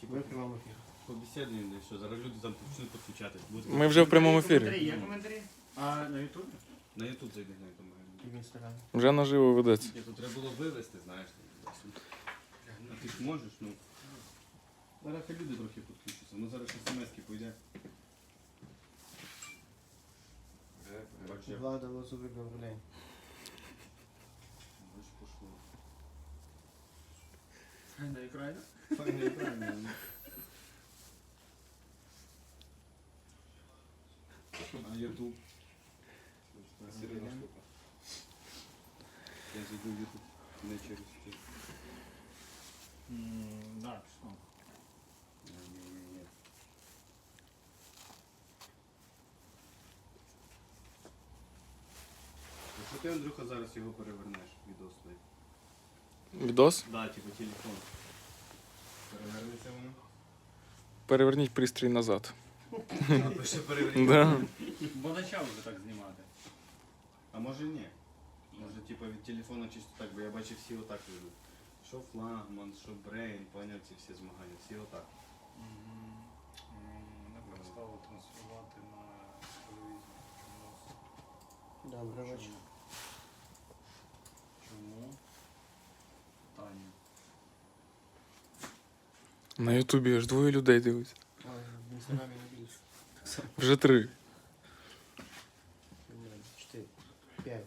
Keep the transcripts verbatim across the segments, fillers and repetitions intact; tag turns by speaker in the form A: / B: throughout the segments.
A: Ви в прямому ефірі.
B: Побесідуємо, що зараз люди там почнуть підключати.
C: Ми вже в прямому ефірі.
A: Коментарі, є коментарі? А на ютубі?
B: На ютуб зайди на ютуб.
A: І в інстаграмі.
C: Вже наживо ведеться.
B: Ні, тут треба було вивезти, знаєш. А ти ж можеш, ну. Зараз хай люди трохи підключаться. Ну зараз смс-ки пойде. Бачиш, як
A: Влада Лозовик Гаврилей.
B: бачиш, пошло.
A: На екрані?
B: Файно і правильно. ну. А ютуб?
D: Серйозна штука.
B: Я зайду в ютуб. Не через те.
A: Так, що?
B: Ні-ні-ні. Якщо ти, Андрюха, зараз його перевернеш, відос той.
C: Відос?
B: Да, типу телефон. Перевернеться воно.
C: Переверніть пристрій назад.
B: А то ще переверніть.
C: Да.
E: Бо почав вже так знімати.
B: А може ні. Може типу від телефона чисто так, бо я бачив всі отак ведуть. Що флагман, що брейн, поняв ці всі змагання, всі отак.
E: Не перестало транслювати на телевізор.
A: Добрий вечір.
E: Чому? Таня.
C: На ютубі аж двоє людей дивиться.
A: Ой, в інстаграмі не більше.
C: Вже три.
A: Чотири. П'ять.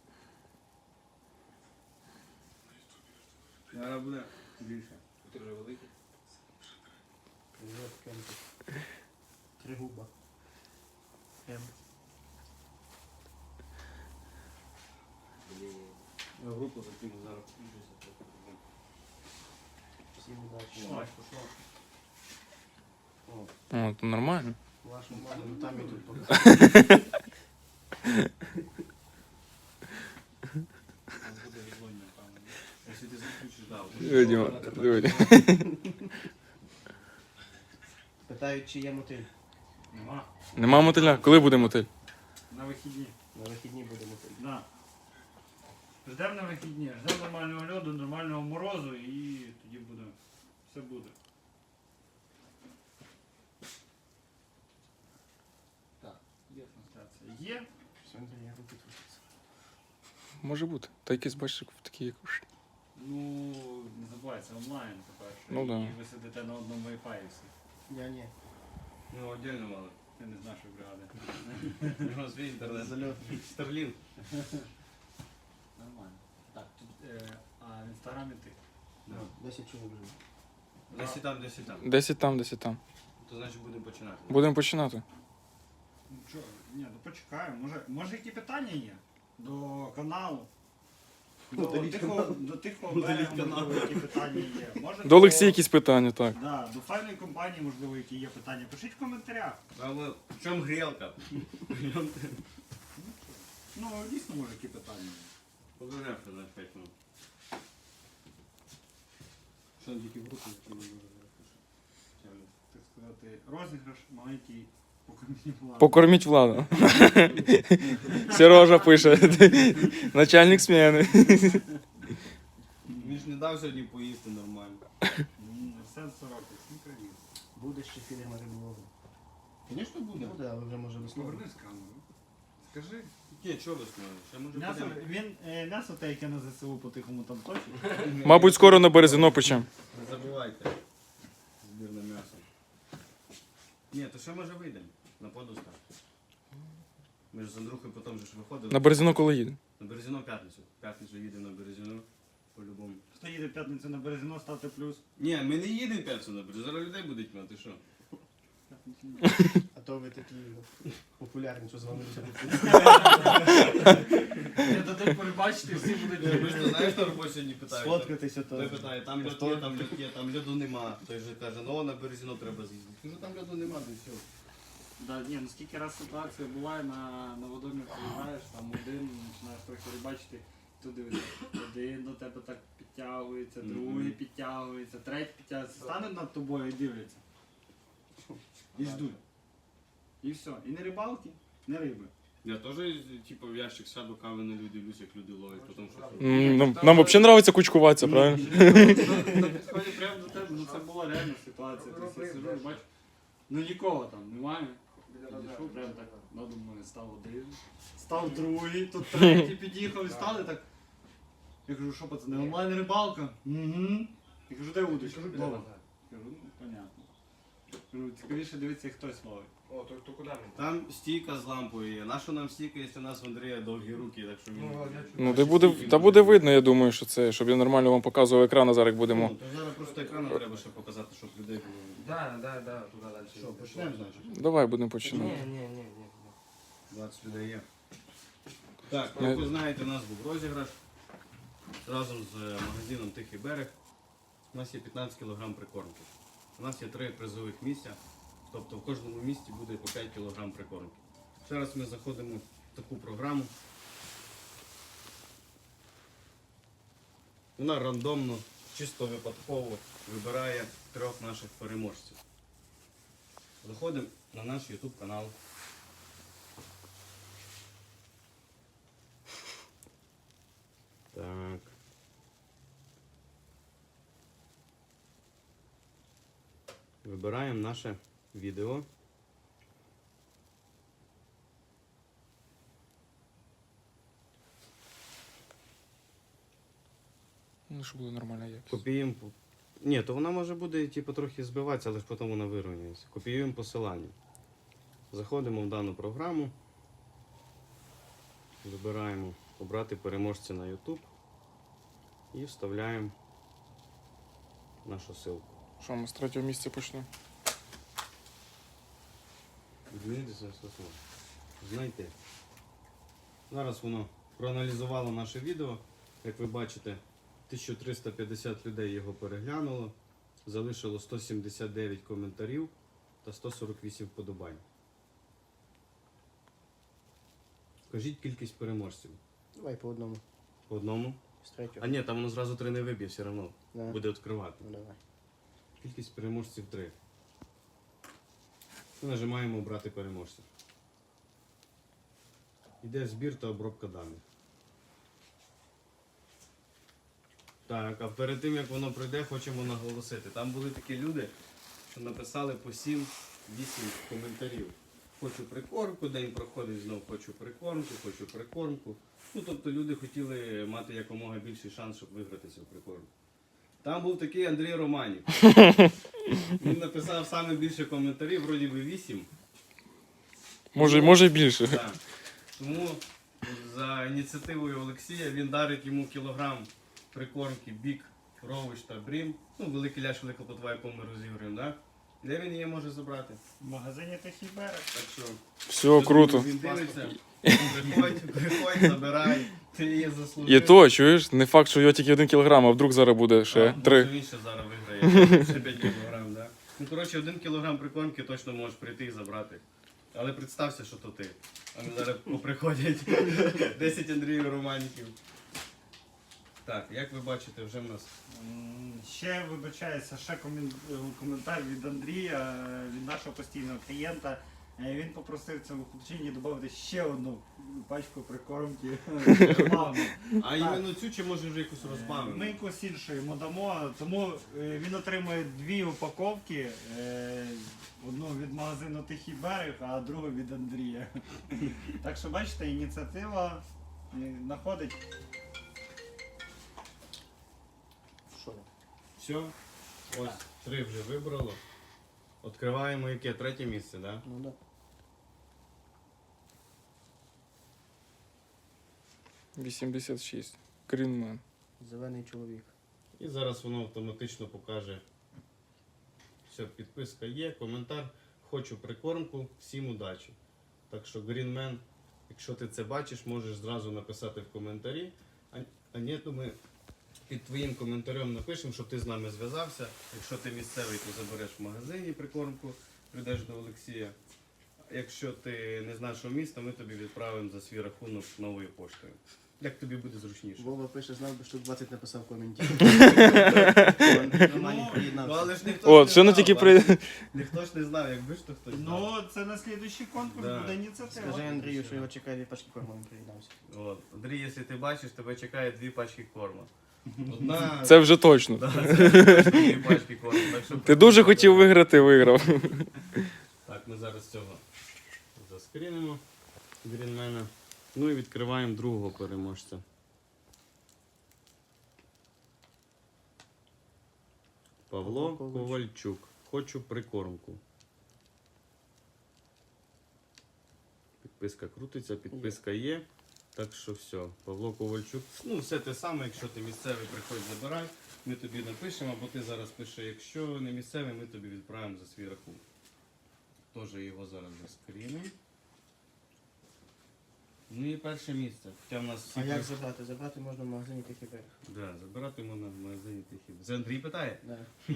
B: Зараз буде більше.
D: Ти вже великий?
A: Привіт, Кемпі. Три губа. М.
B: Я в групу закину зараз включуся.
A: Всім удачі.
E: Ой, пошло.
A: О,
C: О, то нормально.
A: вашу маму, ну там і тут поки.
E: Буде відлунь, напевно.
B: Якщо ти заключиш, да. от.
C: Диви, Діма, диви.
A: Питають, чи є мотиль.
E: Нема.
C: Нема мотиля? Коли буде мотиль?
E: На вихідні.
A: На вихідні буде мотиль.
E: Да. Ждемо на вихідні. Ждемо нормального льоду, нормального морозу і тоді буде. Все буде. Так, є трансляція. Є.
A: Все, Андрій, я руки трусяться.
C: Може бути. Та якийсь бачиш такі як. уж.
E: Ну, не забувай, це онлайн, по-перше.
C: Ну да.
E: І ви сидите на одному Wi-Fi всі.
A: Я ні.
B: Ну, отдельно мало.
E: Ти не з нашої бригади.
B: У нього свій інтернет.
A: Зальот.
B: Старлінг.
E: Нормально. Так, тут, е, а в інстаграмі ти.
B: Да.
A: Десять чоловік вже.
B: Десь і там, десь і там.
C: Десять там, десять там.
B: То значить будемо починати.
C: Будемо починати.
E: Ну чо, ні, ну почекаємо. Може, може які питання є? До каналу? До
A: Удаліть
E: тихого,
A: канал.
E: до тихого
B: Удаліть
E: берега,
B: канал.
E: можливо, які питання є. Може,
C: До Олексія якісь питання, так.
E: Да, до файної компанії, можливо, які є питання. Пишіть в коментарях.
B: Але в чому грілка?
E: Ну, дійсно, може, які питання є.
B: Повернемося за п'ять минут. Що там тільки в руку закинув?
E: Так сказати, розіграш маленький покорміть владу.
C: Покорміть владу. Сережа пише. Начальник зміни.
B: Він ж не дав сьогодні поїсти нормально.
E: Сен сорок, всім привіт.
A: Буде ще фільм риболову.
B: Звісно буде.
A: Буде, але вже може весною.
E: Повернись камеру. Скажи.
B: Ні, чого ви знаєте? Ще може
E: М'ясо,
B: будемо.
E: він, е, м'ясо те, яке на ЗСУ по-тихому там точить.
C: Мабуть, скоро на Березино печем.
B: Не забувайте. Збір на м'ясо. Ні, то ще може вийдемо. На подуста. Ми ж з Андрухою потім же ж виходили.
C: На Березино коли їде?
B: На Березіно в п'ятницю. В п'ятницю їдемо на Березіно. По-любому.
E: Хто їде в п'ятницю на Березино, ставте плюс.
B: Ні, ми не їдемо в п'ятницю на Березіно. Зараз людей будуть мати, що?
A: А то ви такі популярні, що з вами все
E: Я дадуть перебачити, всі будуть.
B: Ми ж то знаєш, на роботі сьогодні питають.
A: сфоткатися
B: Той
A: то.
B: питає, там льод є, там льод є, там льоду нема. Той же каже, ну на Березіно треба з'їздити. Кажу, там льоду нема, то все.
E: Да, ні, ну скільки раз ситуація буває на, на водомір приїжджаєш, там один, починаєш трохи рибачити, туди один до тебе так підтягується,
B: Мгм.
E: другий підтягується, третій підтягується, стане над тобою і дивляться. І ждуть. І все. І не рибалки, не риби.
B: Я теж, типу, в ящик сяду, кави налью, дивлюсь, як люди ловлять, потім щось.
C: М, Нам, нам взагалі подобається кучкуватися, правильно?
E: На підході прямо до тебе, ну це була реальна ситуація. Тобто я сижу і бачу, ну нікого там немає. Підійшов, прям так надо мною став один, став другий, тут третій під'їхав і стали так. Я кажу, що пацани, онлайн рибалка? Угу. Я кажу, де удочка? Дома. Кажу, ну понятно. Кажу, цікавіше дивитися, як хтось ловить.
D: О, то, то куди ми?
B: Там стійка з лампою є. Нащо нам стійка, якщо у нас в Андрія довгі руки, так що він...
D: Ну, я чую.
C: Ну, де буде, та буде видно, я думаю, що це, щоб я нормально вам показував екран, а зараз як будемо.
B: Ну, то зараз просто екрану треба ще показати, щоб людей було.
D: Да, да, да, туди далі.
B: Що, почнемо, значить?
C: Давай будемо
D: Ні,
C: починати.
D: ні, ні, ні.
B: двадцять людей є. Так,
C: Ну,
B: як ви знаєте, у нас був розіграш разом з е, магазином Тихий берег. У нас є п'ятнадцять кілограм прикормки. У нас є три призових місця, тобто в кожному місці буде по п'ять кілограм прикормки. Зараз ми заходимо в таку програму. Вона рандомно, чисто випадково вибирає трьох наших переможців. Заходимо на наш YouTube канал. Так. Вибираємо наше відео.
C: Ну, щоб було нормальна якість.
B: Копіюємо. по- Ні, то вона може буде типу, трохи збиватися, але ж потім вона вирівнюється. Копіюємо посилання. Заходимо в дану програму. Вибираємо обрати переможця на YouTube і вставляємо нашу ссылку.
C: Що, ми з третього місця почнемо?
B: Змінити це слово. Знайти. Зараз воно проаналізувало наше відео. Як ви бачите, тисяча триста п'ятдесят людей його переглянуло. Залишило сто сімдесят дев'ять коментарів та сто сорок вісім вподобань. Скажіть кількість переможців.
A: Давай по одному.
B: По одному.
A: З третього.
B: А ні, там воно зразу три не виб'є, все одно.
A: Да.
B: Буде відкривати.
A: Ну давай.
B: Кількість переможців три. І нажимаємо обрати переможців. Йде збір та обробка даних. Так, а перед тим як воно пройде, хочемо наголосити. Там були такі люди, що написали по сім-вісім коментарів. Хочу прикормку, день проходить, знов хочу прикормку, хочу прикормку. Ну, тобто люди хотіли мати якомога більший шанс, щоб виграти цю прикормку. Там був такий Андрій Романів. Він написав саме більше коментарів, вроді би вісім.
C: Може, може й більше.
B: Так. Тому за ініціативою Олексія він дарить йому кілограм прикормки Бік, Рович та Брім. Ну, великий ляш, велика плотва, яку ми розігруємо, да? Де він її може забрати?
E: В магазині Тихий берег.
B: Так що,
C: Все круто.
B: Він дивиться, приходь, приходь, забирай, ти її заслужив.
C: І то, чуєш, не факт, що його тільки один кілограм, а вдруг зараз буде ще
B: А,
C: три.
B: може, він ще зараз виграє, ще п'ять кілограм, да? Ну, коротше, один кілограм прикормки точно можеш прийти і забрати. Але представся, що то ти. А ми зараз поприходять десять Андріїв Романіків. Так, як ви бачите, вже в нас
E: М, Ще вибачається, ще комін- коментар від Андрія, е, від нашого постійного клієнта. Е, Він попросив цьому хлопчині додати ще одну пачку прикормки. рекламну.
B: А іменно цю чи може вже якусь розбавимо?
E: Ми якусь іншу йому дамо, тому е, він отримує дві упаковки. е, Одну від магазину Тихий берег, а другу від Андрія. Так що бачите, ініціатива е, знаходить.
A: Що?
B: Все, ось три вже вибрало. Відкриваємо яке? Третє місце, так? Да?
A: Ну да.
C: вісімдесят шість. Greenman.
A: Зелений чоловік.
B: І зараз воно автоматично покаже. Все, підписка є, коментар. Хочу прикормку, всім удачі. Так що, Greenman, якщо ти це бачиш, можеш зразу написати в коментарі. А, а ні, то ми під твоїм коментарем напишемо, щоб ти з нами зв'язався. Якщо ти місцевий, то забереш в магазині прикормку, прийдеш до Олексія. Якщо ти не з нашого міста, ми тобі відправимо за свій рахунок новою поштою. Як тобі буде зручніше.
A: Вова пише, знав би, що двадцять написав в коменті.
B: Ну, але ж ніхто
C: От,
B: ж
C: ще
B: не
C: не
B: знав,
C: тільки
B: бачиш?
C: при.
B: Ніхто ж не знав, якби ж то хтось знав.
E: Ну, це на слідуючий конкурс
B: Да.
E: буде ініціатива.
A: Скажи Андрію, що його чекає дві пачки корму, він приєднався.
B: От. Андрій, якщо ти бачиш, тебе чекає дві пачки корму. Одна...
C: Це вже точно.
B: Да, це дві пачки корму. Так що
C: Ти дуже хотів виграти, виграв.
B: Так, ми зараз цього заскрінимо грінмена. Ну і відкриваємо другого переможця. Павло
A: Ковальчук.
B: Ковальчук. Хочу прикормку. Підписка крутиться, підписка є. Так що все, Павло Ковальчук. Ну, все те саме, якщо ти місцевий, приходь забирай. Ми тобі напишемо, або ти зараз пиши, якщо не місцевий, ми тобі відправимо за свій рахунок. Теж його зараз заскрінимо. Ну і перше місце. Хоча в нас всі
A: А як
B: при-
A: забрати? Забрати можна в магазині Тихий берег.
B: Да, забирати можна в магазині Тихий. Це Андрій питає?
A: Да.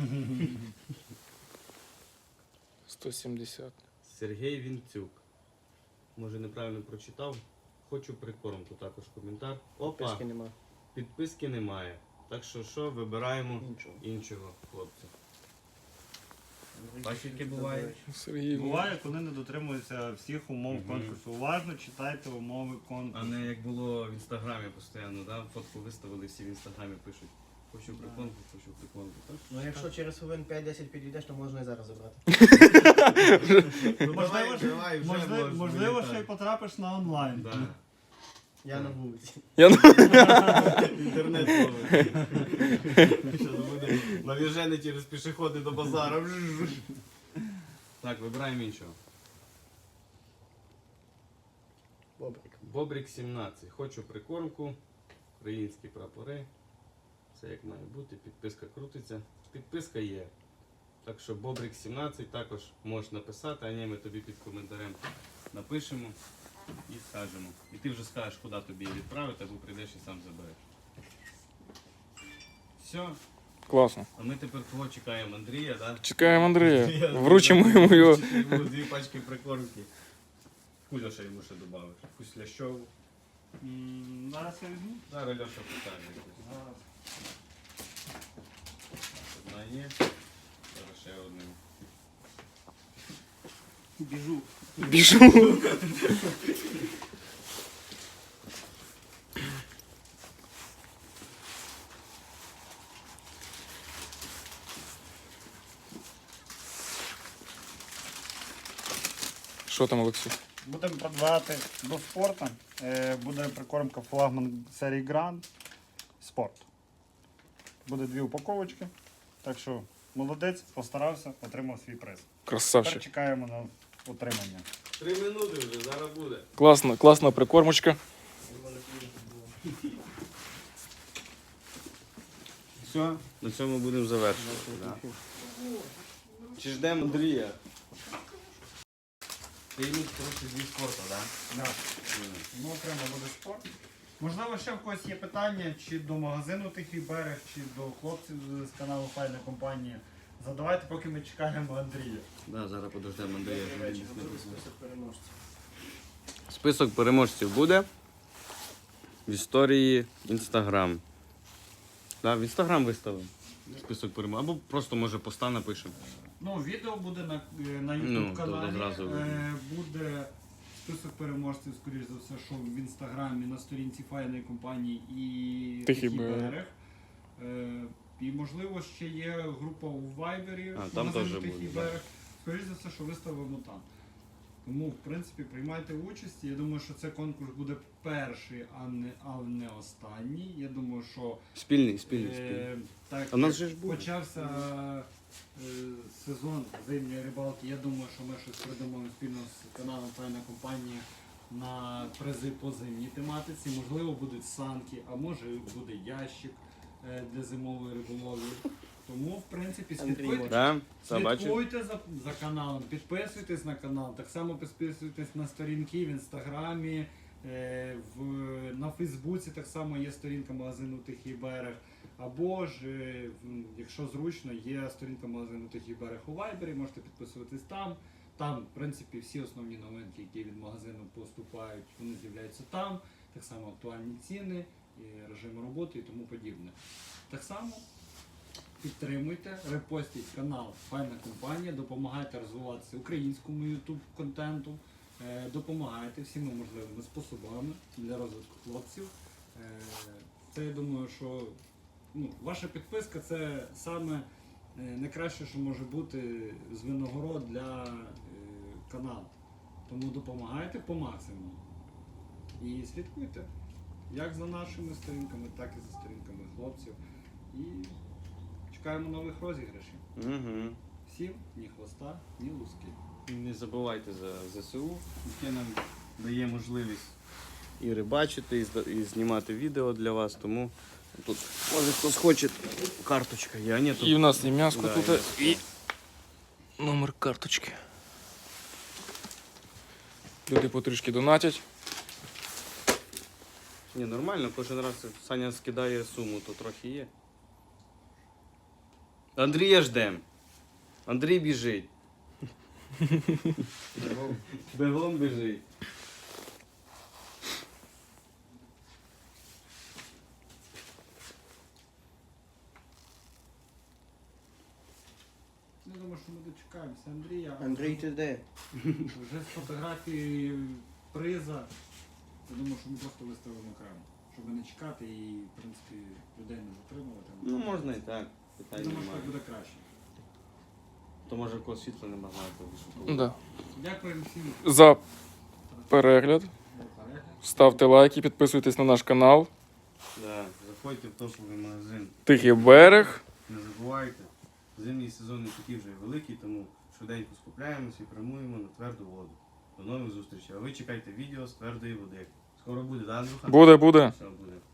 C: сто сімдесят.
B: Сергій Вінцюк. Може неправильно прочитав. Хочу прикормку, також коментар. Опа,
A: Писки нема.
B: підписки немає. Так що що, вибираємо
A: Нічого.
B: іншого хлопця. Бачиш, яке буває?
C: Сергій.
E: Буває, коли не дотримуються всіх умов
B: Мгм.
E: конкурсу. Уважно читайте умови
B: А
E: конкурсу.
B: не як було в інстаграмі постійно, да? Фотку виставили, всі в інстаграмі пишуть. Хочу прикормку, хочу прикормку. Так?
A: Ну якщо через хвилин п'ять-десять підійдеш, то можна і зараз забрати.
B: Ну,
E: Можливо,
B: давай,
E: ж-
B: давай, вже
E: Можливо,
B: можеш
E: можливо
B: вилітати.
E: ще й потрапиш на онлайн.
B: Да.
A: Я на вулиці.
C: Я...
B: Інтернет ловить. Щас буде навіжений через пішоходи до базару. Так, вибираємо іншого.
A: Бобрик.
B: Бобрик сімнадцять. Хочу прикормку. Українські прапори. Все як має бути. Підписка крутиться. Підписка є. Так що Бобрик сімнадцять також можеш написати, а ні, ми тобі під коментарем напишемо і скажемо. І ти вже скажеш, куди тобі її відправити, або прийдеш і сам забереш. Все.
C: Класно.
B: А ми тепер кого чекаємо? Андрія, так?
C: Чекаємо Андрія. Вручимо йому його.
B: Йому дві пачки прикормки. Куля ще йому ще додавиш. Якусь лящову.
E: М, Зараз я візьму.
B: Зараз Льоша покаже якусь.
E: Зараз.
B: Одна є. Зараз ще одну.
E: Біжу.
C: Біжу. Що там, Олексій?
E: Будемо продавати до спорту. Е, Буде прикормка флагман серії Grand Sport. Буде дві упаковочки. Так що молодець, постарався, отримав свій приз. Тепер
C: Красавчик.
E: чекаємо на отримання.
B: Три минути вже, зараз буде.
C: Класна, класна прикормочка.
B: Все, на цьому будемо завершувати. Да. Чи ждемо Андрія? Ти йому трохи зі спорту, так?
E: Да. Ну, окремо буде спорт. Можливо, ще в когось є питання, чи до магазину Тихий берег, чи до хлопців з каналу Файна компанія. Задавайте, поки ми чекаємо Андрія.
B: Да, зараз подождемо Андрія.
A: До речі, готовий список переможців.
B: Список переможців буде в історії Інстаграм. Да, в Інстаграм виставимо список переможців. Або просто може поста напишемо.
E: Ну, відео буде на, е, на
B: Ну,
E: YouTube каналі.
B: то одразу видно.
E: Е, буде список переможців, скоріш за все, що в інстаграмі на сторінці файної компанії і
C: Тихий
E: Тихий
C: берег.
E: берег. Е, і можливо ще є група у Вайбері,
B: А, там
E: магазину
B: теж
E: Тихий
B: буде,
E: берег. Скоріш за все, що виставимо там. Тому, в принципі, приймайте участь. Я думаю, що цей конкурс буде перший, а не, а не останній. Я думаю, що
B: Спільний, спільний, спільний.
E: Е, так,
B: А в нас
E: як
B: же ж буде.
E: почався е, сезон зимньої рибалки. Я думаю, що ми щось придумаємо спільно з каналом Файна компанія на призи по зимній тематиці. Можливо, будуть санки, а може буде ящик е, для зимової риболовлі. Тому, в принципі,
A: Андрій
E: слідкуйте,
A: може.
B: Да? Це бачив?
E: слідкуйте за, за каналом, підписуйтесь на канал, так само підписуйтесь на сторінки в інстаграмі, е, в, на Фейсбуці так само є сторінка магазину Тихий берег. Або ж, е, м, якщо зручно, є сторінка магазину Тихий берег у Вайбері, можете підписуватись там. Там, в принципі, всі основні новинки, які від магазину поступають, вони з'являються там. так само актуальні ціни, і режим роботи і тому подібне. Так само підтримуйте, репостіть канал Файна компанія, допомагайте розвиватися українському YouTube контенту, е, допомагайте всіма можливими способами для розвитку хлопців. Е, Це я думаю, що ну, ваша підписка це саме е, найкраще, що може бути з винагород для е, каналу. Тому допомагайте по максимуму. І слідкуйте як за нашими сторінками, так і за сторінками хлопців. І чекаємо нових розіграшів.
B: Угу.
E: Всім ні хвоста, ні луски.
B: Не забувайте за ЗСУ, яке нам дає можливість і рибачити, і, зда- і знімати відео для вас. Тому тут може хтось хоче карточка є, а ні, тут
C: І в нас і м'яско
B: Да,
C: тут,
B: і
C: і номер карточки. Люди потрішки донатять.
B: Ні, нормально, кожен раз Саня скидає суму, то трохи є. Андрія ждем. Андрій біжить. Бегом біжить.
E: Я думаю, що ми дочекаємося Андрія.
A: Андрій, ти де?
E: Вже з фотографії приза. Я думаю, що ми просто виставимо окремо, щоб не чекати і, в принципі, людей не затримувати.
B: Ну можна і так,
E: Я
B: питань
E: думаю, що так
B: немає.
E: буде краще.
B: То може в когось світла немає, то
C: Да.
E: Дякуємо всім
C: За перегляд.
E: за перегляд.
C: Ставте лайки, підписуйтесь на наш канал.
B: Да, заходьте в топовий магазин.
C: Тихий берег.
B: Не забувайте, зимній сезон не такий вже і великий, тому швиденько скупляємося і прямуємо на тверду воду. До нових зустрічей. А ви чекайте відео з твердої води. Скоро буде, да, Андрюха?
C: Буде, буде.
B: Все буде.